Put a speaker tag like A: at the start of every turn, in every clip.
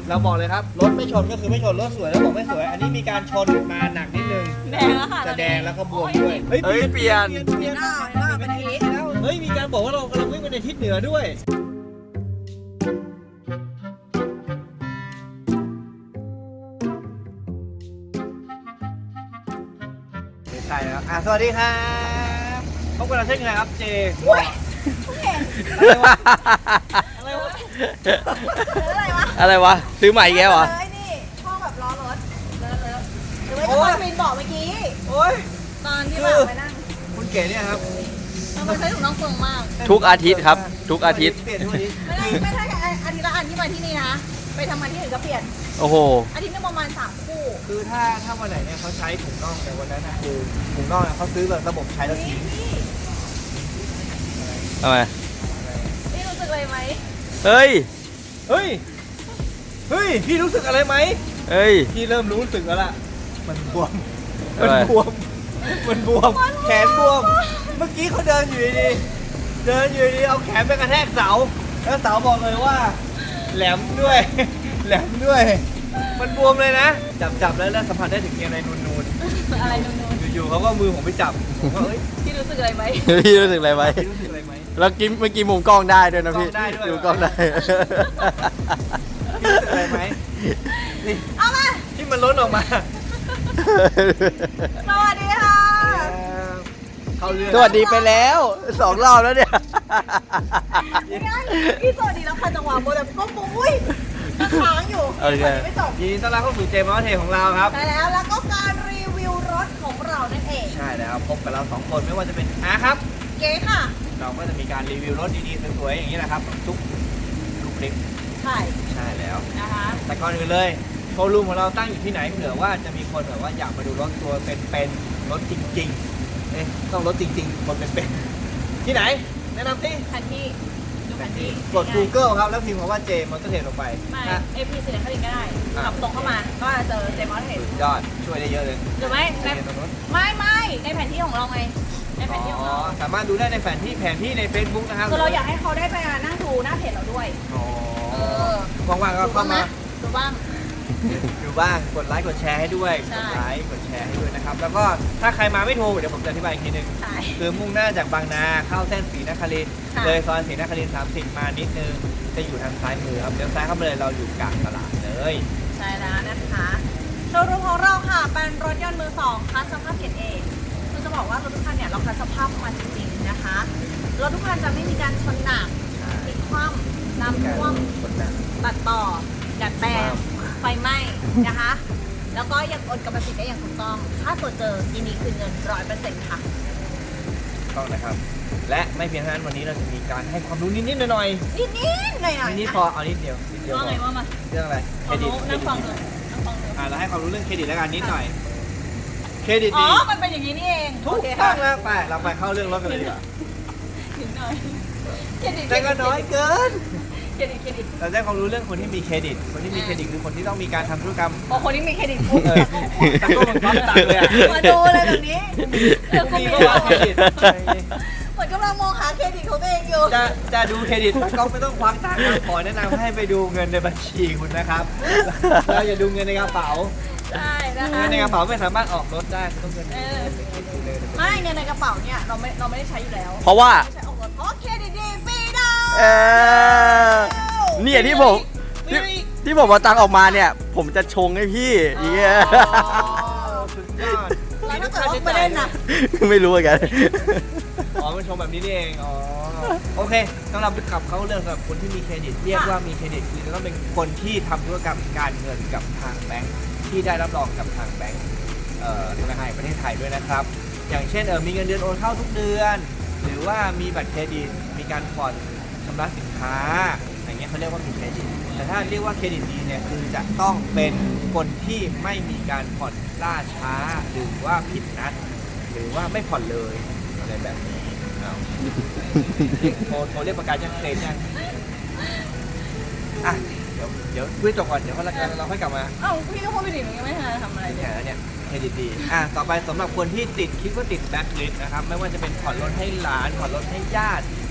A: เราบอกเลยครับรถไม่ชนก็คือไม่ชนรถสวยแล้วบอกไม่สวยอันนี้มีการชนมาหนักนิดนึง
B: แดงแล้วค่ะ
A: จะแดงแล้วก็บวมด้วย
C: เฮ้ยเปลี่ยน
A: เป็นทิศแล้วเฮ้ยมีการบอกว่าเรากำลังวิ่งไปในทิศเหนือด้วยใช่แล้วสวัสดีครับพบกันเราเช่นเคยครับเจอะไรวะอะไรวะ
C: อะไรวะซื้อใหม่แกวะ
B: เลยนี่ช่องแบบล้อรถเลอะหรือว่าจะมาวินบอกเมื่อกี้
A: โอ้ย
B: ตอนที่แบบไปนั่ง
A: คุณเก๋เนี่ยครับ
B: ทำไมใช้ถุงน่องเฟืองมาก
C: ทุกอาทิตย์ครับทุกอาทิตย์
A: เปลี่ยนทุกอาทิตย์
B: ไม่ใช่อาทิตย์ละอันที่มาที่นี่นะไปทำมาที่อื่นก็เปลี่ยน
C: โอ้โห
B: อาทิตย์นึงประมาณ3 คู่
A: คือถ้าวันไหนเนี่ยเขาใช้ถุงน่องในวันนั้นนะคือถุงน่องเนี่ยเขาซื้อแบบระบบใช้แล้วทิ้ง
C: ทำไม
B: นี่รู้สึกอะไรไหม
C: เฮ้ย
A: เฮ้ยเฮ้ยพี่รู้สึกอะไรไหม
C: เฮ้ย
A: พี่เริ่มรู้สึกแล้วล่ะมันบวม
C: อะไร
A: มันบวมแขนบวมเมื่อกี้เขาเดินอยู่ดีๆเอาแขนไปกระแทกเสาแล้วเสาบอกเลยว่า แหลมด้วย แหลมด้วย มันบวมเลยนะจับแล้วสัมผัสได้ถึงอะไรนูน
B: อะไรนู่น
A: ๆอยู่ๆเขาก็มือผมไปจับผมก็เอ้ย
B: ๆที่รู้สึกอะไรไหม
C: พี่รู้สึกอะไรไหม
A: พี่รู้สึกอะไรไหม
C: แล้วกินเมื่อกี้มุมกล้องได้ด้วยนะพี่
A: กล้องได้ด้วย
C: ดูกล้องได้
A: พี่รู้สึกอะไรไหมนี่
B: เอามา
A: ที่มันล้นออกมา
B: สวัสดีค่ะ
A: เขาเรื่อง
C: สวัสดีไปแล้ว2 รอบแล้วเนี่ย
B: พี่สวัสดีแล้วค่ะจังหวะโมแบบก็ปุ้ยค้างอยู่
C: โอเค
B: ไม่จบ
A: ยินดีต้อนรับเข้าสู่เจมส์เทของเราครับ
B: ใช่แล้วก็การรีวิวรถของเรานั่นเอง
A: ใช่แล้วพบกับเรา2คนไม่ว่าจะเป็นครับ
B: เก๋ค่ะ
A: เราก็จะมีการรีวิวรถดีๆสวยๆอย่างนี้นะครับทุกคลิป
B: ใช่
A: ใช่แล้ว
B: นะคะ
A: แต่ก่อนอื่นเลยโชว์รูมของเราตั้งอยู่ที่ไหนเผื่อว่าจะมีคนแบบว่าอยากมาดูรถตัวเป็นๆรถจริงๆต้องรถจริงๆคนเป็นๆที่ไหนแนะนำที่
B: แผนที่ดูแผนที่
A: กด Google ครับแล้วพิมพ์คำว่าเจมส์เทลงไป
B: ไม่
A: นะ
B: AP สีนครินทร์ก็ได้ขับตรงเข้ามาก็จะเจอเจมส์เห็น
A: สุดยอดช่วยได้เยอะเลย
B: หรือไม่ใน
A: เจมส์ตรงนู้น
B: ไม่ในแผนที่ของเราไงในแผนที่ของเรา
A: สามารถดูได้ในแผนที่ใน Facebook นะครับ
B: คือเราอยากให้เขาได้ไปนั่งดูหน้าเพจเราด้วย
A: อ๋อ
B: เออ
A: ว่างๆก็เข้ามา
B: ดูบ้าง
A: ดูบ้างกดไลค์กดแชร์ให้ด้วย
B: ใช่
A: กดไลค์กดแชร์ให้ด้วยนะครับแล้วก็ถ้าใครมาไม่ถูกเดี๋ยวผมจะอธิบายอีกทีนึง
B: ใช่
A: คือมุ่งหน้าจากบางนาเข้าเส้นศรีนครินทร์
B: ค่ะ
A: เลยซอยศรีนครินทร์30 มานิดนึงจะอยู่ทางซ้ายมือครับเดี๋ยวซ้ายเข้ามาเลยเราอยู่กลางตลาดเลย
B: ใช่แล้วนะคะโชว์รูมของเราค่ะเป็นรถยนต์มือสองคัสสภาพเกรดเอคือจะบอกว่ารถทุกคันเนี่ยเราคัสสภาพมาจริงๆนะคะรถทุกคันจะไม่มีการชนหนักพลิกคว่ำน้ำท่วม
A: คนหนัก
B: ตัดต่อดัดแปลงไฟไหม้นะคะ แล้วก็ยังโอนกรรมสิทธิ์ได้อย่างถูกต้อง ถ้าตรวจเจอยินดีคืนเงิน 100% ค่ะ
A: ต้องนะครับ และไม่เพียงเท่านั้นวันนี้เราจะมีการให้ความรู้นิดๆหน่อย
B: นิดๆหน่อยๆ
A: ๆนิดๆพอเอานิดเดียวพ
B: ว่า
A: อ
B: ไงว่ามา
A: เรื่องอะไรเครดิต
B: นั่งฟังเลยนั่งฟังเลย
A: เราให้ความรู้เรื่องเครดิตแล้วกันนิดหน่อยเครดิต
B: อ๋อ
A: ดี
B: มันเป็นอย่างนี้นี่เอง
A: ทุ
B: โอก เค
A: ต้
B: ค่ะ
A: องแล้วไปเราไปเข้าเรื่องรถกันเลยดีกว่า
B: ถึงหน่อยเครดิต
A: แต่ก็น้อยเกิน
B: เครดิต
A: เราได้ความรู้เรื่องคนที่มีเครดิต คนที่มีเครดิตคือคนที่ต้องมีการทำธุรกรรม
B: พอคนที่มีเครดิตปุ๊บ
A: ตะโกนพร้อมตังเลยอะ
B: มาดูเลยแบบนี้เดี๋ยวกู
A: มี
B: มี
A: ก็วางเครดิต
B: เหมือนกำลังมองหาเครดิตของตัวเองอยู่
A: จะดูเครดิตก็ไม่ต้องควักตังค์ครับขอแนะนำให้ไปดูเงินในบัญชีคุณนะครับ เราอย่าดูเงินในกระเป๋า
B: ใช่นะคะ
A: เงินในกระเป๋าไม่สามารถออกรถได้ต้องเงินในเลย
B: ไม่เงินในกระเป๋าเนี่ยเราไม่ได้ใช้อยู่แล้ว
C: เพราะว่า
B: ไม่ใช้ออกรถเพราะเครดิตดีฟรีดาว
C: เออเนี่ยที่ผมเอาตังค์ออกมาเนี่ย ผมจะชงให้พี่อย่างเงี้ย
A: สุดยอด
B: แล้วถ้าเกิดว่าไม่ได้นะ
C: ไม่รู้เหมือนกัน
A: อ๋อมันชมแบบนี้นี่เองอ๋อโอเคสำหรับขับเขาเรื่องสำหรับคนที่มีเครดิตเรียกว่ามีเครดิตคือจะต้องเป็นคนที่ทำธุรกรรมการเงินกับทางแบงค์ที่ได้รับรองกับทางแบงค์ธนาคารแห่งประเทศไทยด้วยนะครับ อย่างเช่นมีเงินเดือนโอนเข้าทุกเดือน หรือว่ามีบัตรเครดิตมีการผ่อนชำระสินค้าอย่างเงี้ยเขาเรียกว่ามีเครดิตแต่ถ้าเรียกว่าเครดิตดีเนี่ยคือจะต้องเป็นคนที่ไม่มีการผ่อนล่าช้าหรือว่าผิดนัดหรือว่าไม่ผ่อนเลยอะไรแบบนี้เอาโทรเรียกประกันยังเคลมยังอ่ะเดี๋ยวคุยจบก่อนเดี๋ยวเราค่อยกลับมา
B: เอ้าพี่ก็พูดไปดิหนูยังไม่ทันทำอะไรเลย
A: เนี่ยแล้วเนี่ยเครดิตดีต่อไปสำหรับคนที่คิดว่าติดแบ็คลิสต์นะครับไม่ว่าจะเป็นผ่อนรถให้หลานผ่อนรถให้ญาติ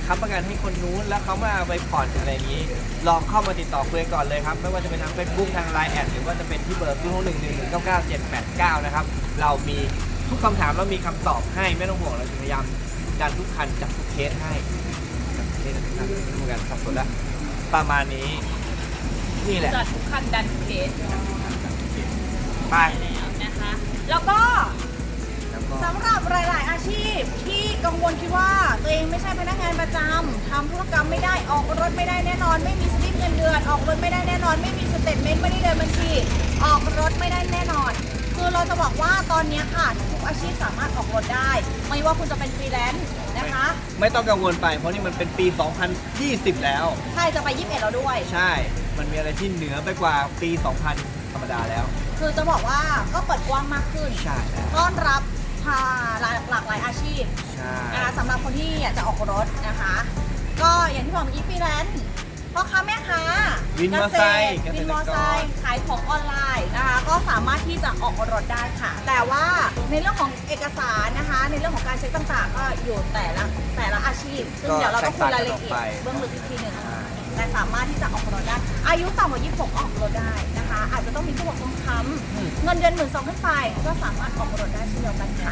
A: ค้ำประกันให้คนนู้นแล้วเขามาเอาไปผ่อนอะไรอย่างนี้ ลองเข้ามาติดต่อคุยกันก่อนเลยครับไม่ว่าจะเป็นทาง Facebook ทาง Line แอดหรือว่าจะเป็นที่เบอร์0611199789นะครับเรามีทุกคำถามแล้วมีคำตอบให้ไม่ต้องห่วงเราจะพยายามดันทุกคันจับทุกเคสให้จับทุกเคสทุกคันไม่ต้องการสับสนแล้วประมาณนี้นี่แหละ
B: จัดทุกคันดันเคส
A: ไป
B: แล้วนะคะ แล้วก็
A: แล้วก็
B: สำหรับหลาย ๆ อาชีพที่กังวลคิดว่าตัวเองไม่ใช่พนักงานประจำทำธุรกรรมไม่ได้ออกรถไม่ได้แน่นอน ไม่มีสลิปเงินเดือนออกรถไม่ได้แน่นอน ไม่มีสเตทเมนต์ไม่ได้เดินบัญชีออกรถไม่ได้แน่นอน คือเราจะบอกว่าตอนนี้ค่ะทุกอาชีพสามารถออกรถได้ ไม่ว่าคุณจะเป็นฟรีแลนซ์นะคะ
A: ไม่ต้องกังวลไปเพราะนี่มันเป็นปี 2020 แล้ว
B: ใช่จะไป21แล้วด้วย
A: ใช่ มันมีอะไรที่เหนือไปกว่าปี 2000 ธรรมดาแล้ว
B: คือจะบอกว่าก็เปิดกว้างมากขึ้น
A: ใช่แล้ว
B: ต้อนรับหลากหลายอาชีพ
A: ใช่
B: นะคะสำหรับคนที่อยากจะออกรถนะคะ ก็อย่างที่บอกเมื่อกี้ฟรีแลนซ์พ่อค้าแม่ค้า
A: วินมอเตอร์ไซค์
B: วินมอเตอร์ไซค์ขายของออนไลน์นะคะก็สามารถที่จะออกรถได้ค่ะ แต่ว่าในเรื่องของเอกสารนะคะ ในเรื่องของการเช็คต่างๆ ก็อยู่แต่ละอาชีพ ซึ่งเดี๋ยวเราต้องคุยรายละเอียดเบื้องลึกอีกทีหนึ่งแต่สามารถที่จะออกรถได้ อายุต่ำกว่า26ออกรถได้นะคะ อาจจะต้องมีผู้ปกครองค้ำเงินเดือน12,000ขึ้นไปก็สามารถออกรถได้เช่นเดียวกันค่ะ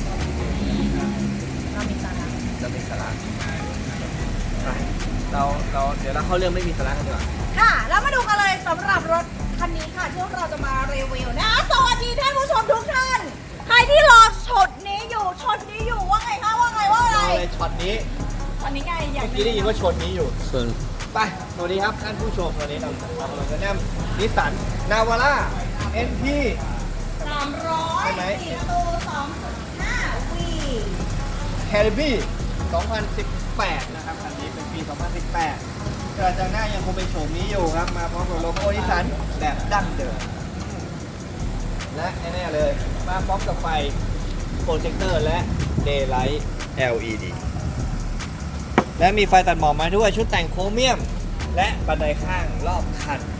B: เรามีสาระ
A: จะมีสาระไปเราเดี๋ยวเราเข้าเรื่องไม่มีสาระกันดีกว่า
B: ค่ะ แล้วมาดูกันเลยสำหรับรถคันนี้ค่ะที่เราจะมารีวิวนะสวัสดีท่านผู้ชมทุกท่าน ใครที่รอช็อตนี้อยู่ว่าไงคะว่าไงว่าอะไร
A: เอาเลยช็อตนี้
B: ตอนนี้ไงอยาก
A: เมื่อกี้ได้ยินว่าชนนี้อยู่
C: ส่วน
A: ไป สวัสดีครับท่านผู้ชมวันนี้เรากำลังจะแนะนำนิสสันนาวาร่า NP
B: 300
A: ใช่ไหม
B: 4ประตู 2.5 วี
A: c a r i b 2018 นะครับคันนี้เป็นปี 2018กระจังหน้ายังคงเป็นโฉมนี้อยู่ครับ มาพร้อมกับโลโก้นิสสันแบบดั้งเดิม และแน่ๆเลย มาพร้อมกับไฟโปรเจคเตอร์และ Daylight LED และมีไฟตัดหมอกมาด้วยชุดแต่งโครเมียม และบันไดข้างรอบคัน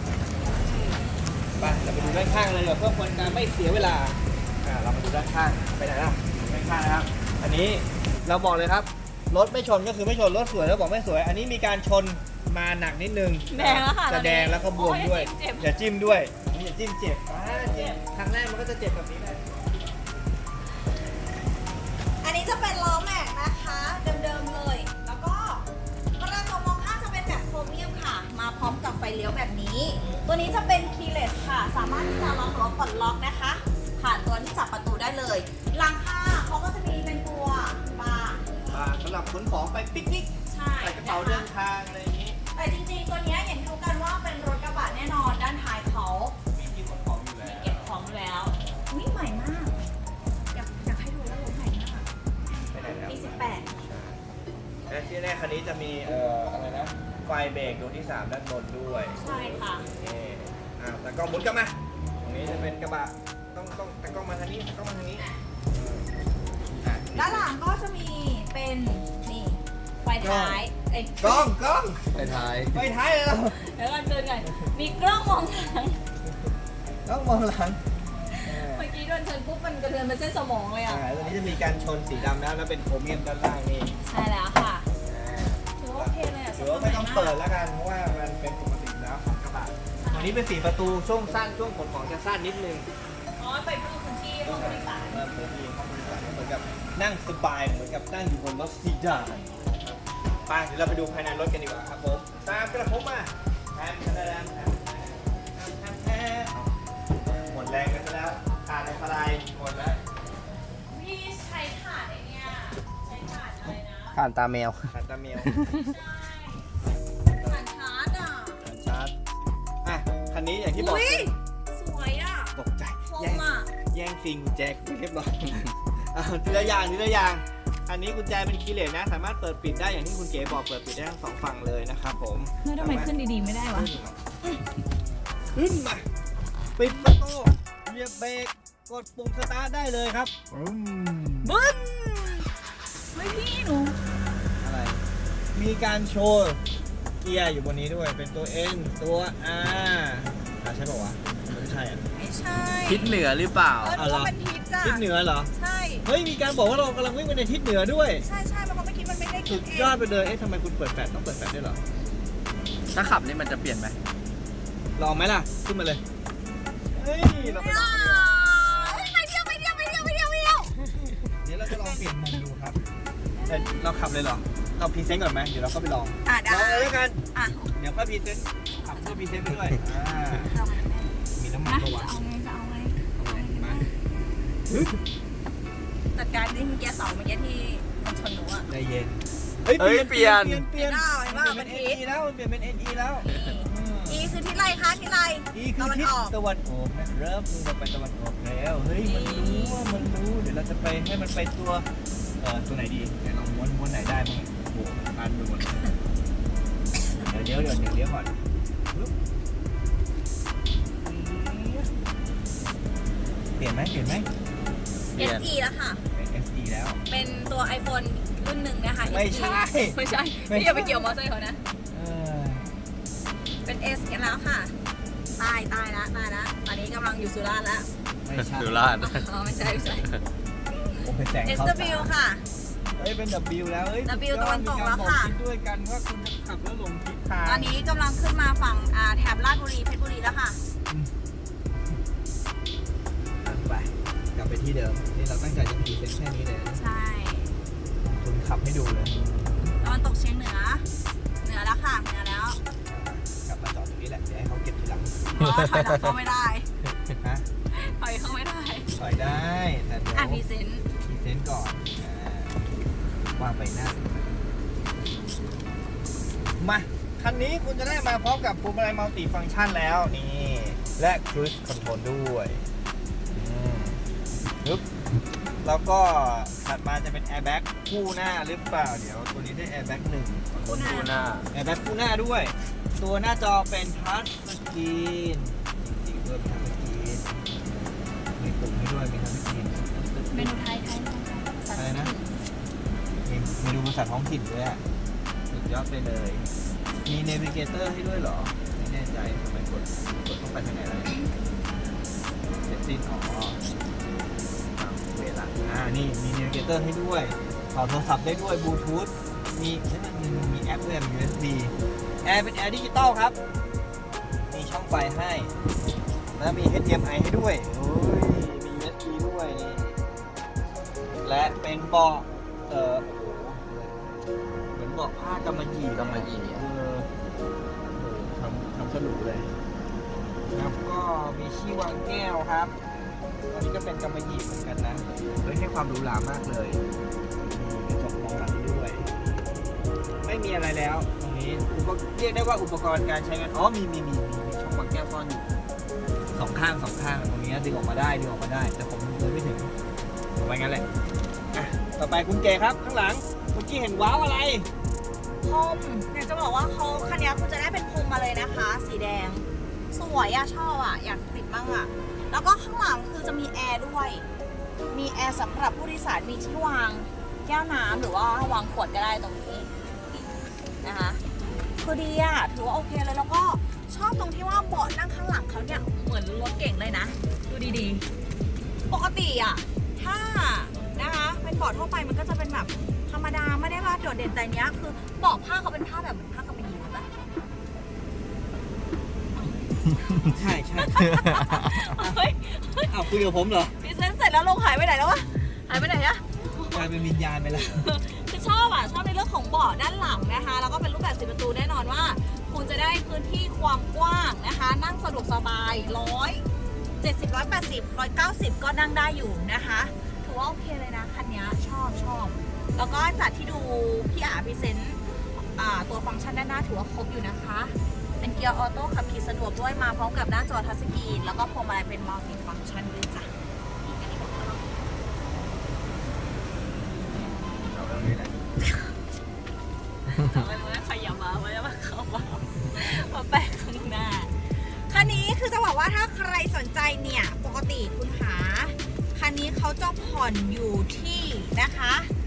A: ไปเราไปดูด้านข้างเลยเพื่อคนการไม่เสียเวลาเรามาดูด้านข้างไปไหนล่ะด้านข้างนะครับ อันนี้เราบอกเลยครับรถไม่ชนก็คือไม่ชนรถสวยแล้วบอกไม่สวย อันนี้มีการชนมาหนักนิดนึง
B: แดงแล้วค่ะ
A: จะแดงแล้วก็บวมด้วย
B: โอ้เจ็บ
A: อย่าจิ้มด้วยอย่าจิ้มเจ็บเจ็บครั้งแรกมันก็จะเจ็บแบบนี้เลย
B: อันนี้จะเป็นล้อแม็กนะคะเดิมๆเลย แล้วก็กระจกมองข้างจะเป็นแบบโครเมียมค่ะ มาพร้อมกับไฟเลี้ยวแบบนี้ ตัวนี้จะเป็นคีย์เลสค่ะ สามารถที่จะล็อกรถปลดล็อกนะคะ ผ่านตัวที่จับประตูได้เลยหลังคาเขาก็จะมีเป็นตัวบาร์
A: สำหรับขนของไปปิกนิก
B: ใช่
A: ใส่กระเป๋าเดินทางอะไรอย่างนี้
B: แต่จริงๆ ตัวเนี้ยอย่างที่รู้กันว่าเป็นรถกระบะแน่นอนด้านท้ายเขา
A: มีที่ขนของอยู่แล้ว
B: เก็บของแล้วนี่ใหม่มาก อยากให้ดูแล้วรถใหม่มาก
A: ไปไหนแล้ว
B: ปี
A: และที่แรกคันนี้จะมีอะไรนะไฟเบรกดวงที่ 3 ด้านบนด้วย
B: 18 ใช่ค่ะ
A: นี่แต่กล้องหมุนกลับมาตรงนี้จะเป็นกระบะต้องแต่กล้องมาทางนี้แต่กล้องมาทางนี้
B: ด้านหลังก็จะมีเป็นนี่ไฟท้ายเอ้ย
A: กล้อง
C: ไปท้าย
A: ไปท้ายเลยเรา
B: เดี๋ยวก่อนเจอกันมีกล้องมองหลัง
A: กล้องมองหลัง
B: เมื่อกี้โดนชนปุ๊บมันกระเทือนเป็นเส้นสมองเลยอ่ะ
A: ตัวนี้จะมีการชนสีดำแล้วเป็นโครเมียมด้านล่างนี่
B: ใช่แล้วค่ะถือว่าโอเคเลยอ่ะ
A: ถือว่าไม่ต้องเปิดแล้วกันเพราะว่ามันเป็นปกติแล้วของกระบะตัวนี้เป็น4 ประตูช่วงสั้นช่วงขนของจะสั้นนิดนึง
B: อ๋อไปเพิ่มพื้นที่ห้องผู้โดยสาร
A: เพิ่มที่ห้องผู้โดยสารเหมือนกับนั่งสบายเหมือนกับนั่งอยู่บนรถซีดานไปเดี๋ยวเราไปดูภายในรถกันดีกว่าครับผมตามกระผมมาแทมหมดแรงกันซะแล้วขาดในพลายหมดแล้ว
B: พี่ใช้ถาดไอเนี่ยใช้ถาดอะไรนะ
C: ผ่านตาแมว
A: ขาดตาเมียว
B: ใช่ถาดชาร์จอ่ะ
A: ชาร์จคันนี้อย่างที่บอก
B: อุ้ยสวยอ่ะ
A: ตกใจ
B: คม
A: แย่ง
B: อ่ะ
A: แย่งซิงกุญแจเรียบร้อยทีละอย่างอันนี้กุญแจเป็นคีย์เลสนะ สามารถเปิดปิดได้อย่างที่คุณเก๋บอกเปิดปิดได้ทั้ง2 ฝั่งเลยนะครับผม
B: ทำไมขึ้นดีๆไม่ได้วะ
A: ขึ้นมาปิดประตูเหยียบเบรกกดปุ่มสตาร์ทได้เลยครับ
B: บึ้นเฮ้ยพี่หนู
A: อะไรมีการโชว์เกียร์อยู่บนนี้ด้วยเป็นตัว N ตัว R ใช่ป่าวะไม่ใช่อ่ะ
B: ไม่ใช่
C: ทิศเหนือหรือเปล่า
B: นึกว่าเป็นทิศจ้ะ
A: ทิศเหนือเหรอ
B: ใช่
A: เฮ้ยมีการบอกว่าเรากำลังวิ่งไปในทิศเหนือด้วย
B: ใช่ใช่เพราะเมื่อกี้มันไม่ได้
A: สุดยอดไปเลย เอ๊ะทำไมคุณเปิดแฟลชต้องเปิดแฟลชด้วยเหรอ
C: ถ้าขับนี่มันจะเปลี่ยนไหม
A: ลองไหมล่ะ ขึ้นมาเลย เฮ้ย เราไปลองกันดีกว่า
B: ไปเที่ยว
A: เดี๋ยวเราจะลองเปลี่ยนมุมดูครับแต่เราขับเลยเหรอ เราพรีเซนต์ก่อนไหมเดี๋ยวเราก็ไปลอง
B: ได้
A: ลองเลยแล้วกัน
B: อ่ะ
A: เดี๋ยวก็พรีเซนต์ขับก็พรีเซนต์ไปด้วยมีน้ำมัน
B: นะ
A: ปะวะ
B: จะเอาไง
A: เอาไงมา
B: จัดการที่เมื่อกี้เสาเมื่อกี้ที่มันชนหนูอ่ะ
A: ใจเย็น เฮ้ย เปลี่ยน
B: เห็นเปล่า
A: เปลี่ยนเป็น NE แล้วเปลี่ยนเป็น NE แล้ว
B: อีคือที่ไรคะที่ไร
A: อีคือทิศตะวันออกนะเริ่มเราไปตะวันออกแล้ว เฮ้ย มันรู้ เดี๋ยวเราจะไปให้มันไปตัวไหนดีไหนลองม้วนไหนได้มั้งโอ้โหอันไปหมดเดี๋ยวเลี้ยวก่อนเปลี่ยนไหม
B: SE แล้วค่ะ
A: เป็น SE แล้ว
B: เป็นตัว iPhone รุ่นหนึ่งนะคะ
A: ไม่ใช่
B: ไม่ใช่พี่อย่าไปเกี่ยวมอเตอร์ไซค์เขานะ
A: เออ
B: เป็น S กันแล้วค่ะ ตายละตอนนี้กำลังอยู่สุราษฎร์แล้ว
A: ไม่ใช่
C: สุราษฎร์
B: อ๋อไม่ใช่
A: โอ้เป็นแสงเข้า
B: SW ค่ะ
A: เฮ้ย เป็น W แล้ว เฮ้ย
B: W ตะวันตกแล้วค่ะ
A: มีการบอกทิศด้วยกันว่าคุณจะขับแล้วหลงทิศทาง
B: ตอนนี้กำลังขึ้นมาฝั่งแถบราชบุรีเพชรบุรีแล้วค่ะ
A: ไปกลับไปที่เดิม นี่เราตั้งใจจะพรีเซนต์แค่นี้เลยนะ
B: ใช่
A: คุณขับให้ดูเลย
B: ตะวันตกเฉียงเหนือแล้วค่ะเหนือแล้ว
A: กลับมาจอดตรงนี้แหละ เดี๋ยวให้เขาเก็บทีหลัง
B: เพราะว่าถอยหลังเข้าไม่ได้
A: ฮะ
B: ถอยเข้าไม่ได้
A: ถอยได้แต่เดี๋ยว
B: พรีเซนต์
A: พรีเซนต์ก่อนวางไปหน้ามาคันนี้คุณจะได้มาพร้อมกับพวงมาลัยมัลติฟังก์ชันแล้วนี่ และครู i คอนโทรลด้วยปึ๊บแล้วก็ถัดมาจะเป็นแอร์แบ็กคู่หน้าหรือเปล่า เดี๋ยวตัวนี้ได้แอร์แบ็กหนึ่ง
B: คู่หน้า
C: หน้า
A: แอร์แบ็กคู่หน้าด้วย ตัวหน้าจอเป็นทัชสกรีนจริงๆด้วยเป็นทัชสกรีนมีปุ่มให้ด้วยมีทัชสกรีน
B: เมนูไทย
A: อะไรนะ มีเมนูภาษาท้องถิ่นด้วยอ่ะสุดยอดไปเลย มีเนวิเกเตอร์ให้ด้วยเหรอ ไม่แน่ใจทำไมกดต้องไปทางไหนอะไรเสร็จสิ้นเวลานี่มีเนวิเกเตอร์ให้ด้วยต่อโทรศัพท์ได้ด้วยบลูทูธมีแอปด้วยมี USB แอร์เป็นแอร์ดิจิตอลครับ มีช่องไฟให้ แล้วมี HDMI ให้ด้วยโอ้ยมี USB ด้วยนี่และเป็นเบาะเหมือนเบาะผ้ากำมะหยี่ทำสนุกเลยแล้วก็มีที่วางแก้วครับอันนี้ก็เป็นกำมะหยี่เหมือนกันนะเฮ้ยให้ความหรูหรามากเลยมีกระจกมองหลังด้วย ไม่มีอะไรแล้วตรงนี้เรียกได้ว่าอุปกรณ์การใช้งานมีช่องวางแก้วซ่อนอยู่สองข้างตรงนี้ดึงออกมาได้แต่ผมเลยไม่ถึงเอาไว้งั้นแหละต่อไปคุณเก๋ครับข้างหลังเมื่อกี้เห็นว้าวอะไร
B: พรมอยากจะบอกว่าเขาคันนี้คุณจะได้เป็นพรมมาเลยนะคะ สีแดง สวยอะชอบอะอยากติดบ้างอะแล้วก็ข้างหลังคือจะมีแอร์ด้วย มีแอร์สำหรับผู้โดยสารมีที่วางแก้วน้ำหรือว่าวางขวดก็ได้ตรงนี้นะคะคือดีอะถือว่าโอเคเลยแล้วก็ชอบตรงที่ว่าเบาะนั่งข้างหลังเขาเนี่ยเหมือนรถเก่งเลยนะดูดีๆปกติอะถ้านะคะเป็นเบาะทั่วไปมันก็จะเป็นแบบธรรมดาไม่ได้ว่าโดดเด่นแต่เนี้ยคือเบาะผ้าเขาเป็นผ้าแบบเหมือนผ้ากำมะหยี่ปะ
A: ใช่
B: เฮ้ย
A: คุยกับผมเหรอ
B: พรีเซนต์เสร็จแล้วลงหายไปไหนแล้ววะหายไปไหนอะ
A: กลายเป็นวิญญาณไปแล้ว
B: คือชอบในเรื่องของเบาะด้านหลังนะคะแล้วก็เป็นรูปแบบ10 ประตูแน่นอนว่า คุณจะได้พื้นที่ความกว้างนะคะนั่งสะดวกสบาย170 180 190ก็นั่งได้อยู่นะคะถือว่าโอเคเลยนะคันนี้ชอบแล้วก็จากที่ดูพี่พรีเซนต์ตัวฟังก์ชันด้านหน้าถือว่าครบอยู่นะคะเป็นเกียร์ออโต้ขับขี่สะดวกด้วยมาพร้อมกับหน้าจอทัชสกรีนแล้วก็พวงมาลัยเป็นมัลติฟังก์ชันด้วยจ้ะ
A: เอาเรื่องนี้แหละ
B: ใครอย่ามาเข้ามาแปะข้างหน้าคันนี้คือจะบอกว่าถ้าใครสนใจเนี่ยปกติคุณหาคันนี้เขาจะผ่อนอยู่ที่นะคะ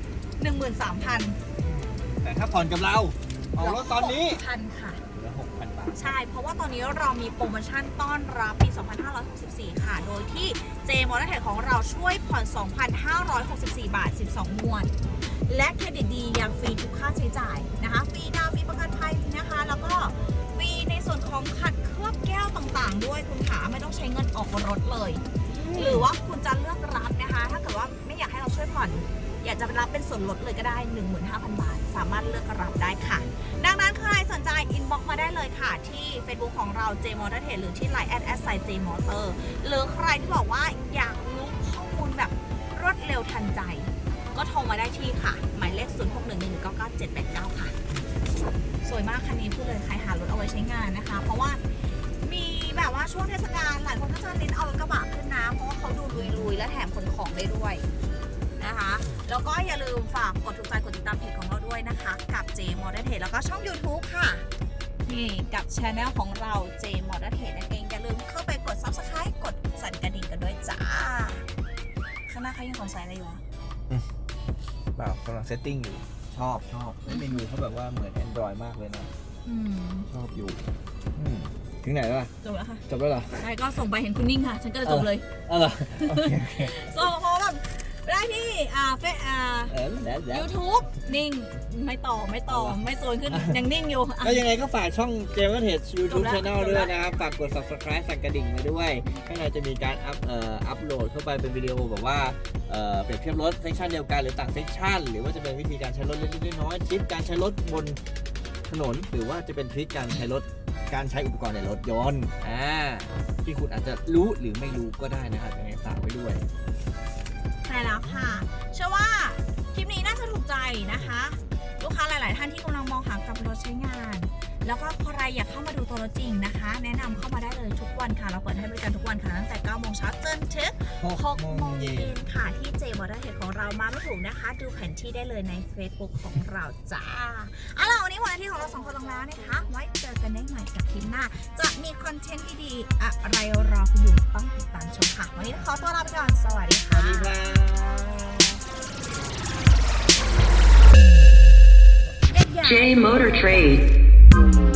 B: 13,000
A: แต่ถ้าผ่อนกับเราออกรถตอนนี้
B: 6,000 ค่ะ
A: เหลือ 6,000 บาท
B: ใช่เพราะว่าตอนนี้เรามีโปรโมชั่นต้อนรับปี 2564 ค่ะ โดยที่ J Motor Tech ของเราช่วยผ่อน 2,564 บาท 12 งวดและเครดิตดียังฟรีทุกค่าใช้จ่ายนะคะฟรีดาวฟรีประกันภัยนะคะแล้วก็ฟรีในส่วนของขัดเคลือบแก้วต่างๆ ด้วยคุณขาไม่ต้องใช้เงินออกรถเลย หรือว่าคุณจะเลือกรับนะคะถ้าเกิดว่าไม่อยากให้เราช่วยผ่อนอยากจะรับเป็นส่วนลดเลยก็ได้ 15,000 บาทสามารถเลือกรับได้ค่ะดังนั้นใครสนใจอินบ็อกมาได้เลยค่ะที่ Facebook ของเรา J Motor Trade หรือที่ Line @J Motor หรือใครที่บอกว่าอยากรู้ข้อมูลแบบรวดเร็วทันใจก็โทรมาได้ที่ค่ะหมายเลข 0611999789 ค่ะสวยมากคันนี้พูดเลยใครหารถเอาไว้ใช้งานนะคะเพราะว่ามีแบบว่าช่วงเทศกาลหลายคนก็จะเน้นเอารถกระบะขึ้นนะเพราะว่าเขาดูลุยๆและแถมขนของได้ด้วยนะคะแล้วก็อย่าลืมฝากกดถูกใจกดติดตามเพจของเราด้วยนะคะกับ J Motor Trade แล้วก็ช่อง YouTube ค่ะนี่กับ Channel ของเรา J Motor Trade นั่นเองอย่าลืมเข้าไปกด Subscribe กดสั่นกระดิ่งกันด้วยจ้าข้างหน้าเขายังสงสัยอะไรอยู่อะ
A: เปล่ากำลังเซตติ้งอยู่ชอบเมนูเขาแบบว่าเหมือน Android มากเลยนะชอบอยู่ถึงไหนแล้วล่ะ
B: จบแล้วค่ะ
A: จบแล้วเหรอ
B: ใช่ก็ส่งไปเห็นคุณนิ่งค่ะ ฉันก็เลยจบเลย
A: เหรอโอเค
B: ส่งพอแบบได้ที่YouTube นิ่งไม่ต่อไม่โซนขึ้น ยังนิ่งอยู่อ่ะ
A: ก็ยังไงก็ฝากช่องเจมส์เทส YouTube
B: จบแล้ว
A: Channel ด้วยนะครับ ฝากกด Subscribe สั่นกระดิ่งไปด้วยข้างในจะมีการอัพโหลดเข้าไปเป็นวิดีโอแบบว่าเปรียบเทียบรถเซสชันเดียวกันหรือต่างเซสชันหรือว่าจะเป็นวิธีการใช้รถเล็กๆน้อยๆทริปการใช้รถบนถนนหรือว่าจะเป็นทริปการใช้รถการใช้อุปกรณ์ในรถยนต์ที่คุณอาจจะรู้หรือไม่รู้ก็ได้นะครับยังไงฝากไว้ด้วย
B: ใช่แล้วค่ะ เชื่อว่าคลิปนี้น่าจะถูกใจนะคะ ลูกค้าหลาย ๆ ท่านที่กำลังมองหากับรถใช้งาน แล้วก็ใครอยากเข้ามาดูตัวรถจริงนะคะ แนะนำเข้ามาได้เลยทุกวันค่ะ เราเปิดให้บริการทุกวันค่ะตั้งแต่ 9 โมงเช้าจนถึง 6 โมงเย็นค่ะที่ J Motor Trade ของเรามาไม่ถูกนะคะ ดูแผนที่ได้เลยใน Facebook ของเราจ้าเอาล่ะวันนี้วันอาทิตย์ของเราสองคนลงแล้วนะคะ ไว้เจอกันได้ใหม่กับคลิปหน้า จะมีคอนเทนต์ดีๆอะไรรอคุณอยู่ต้องติดตามชมค่ะ วันนี้ขอตัวลาไปก่อน สวัสดีค่ะ
D: J Motor Trade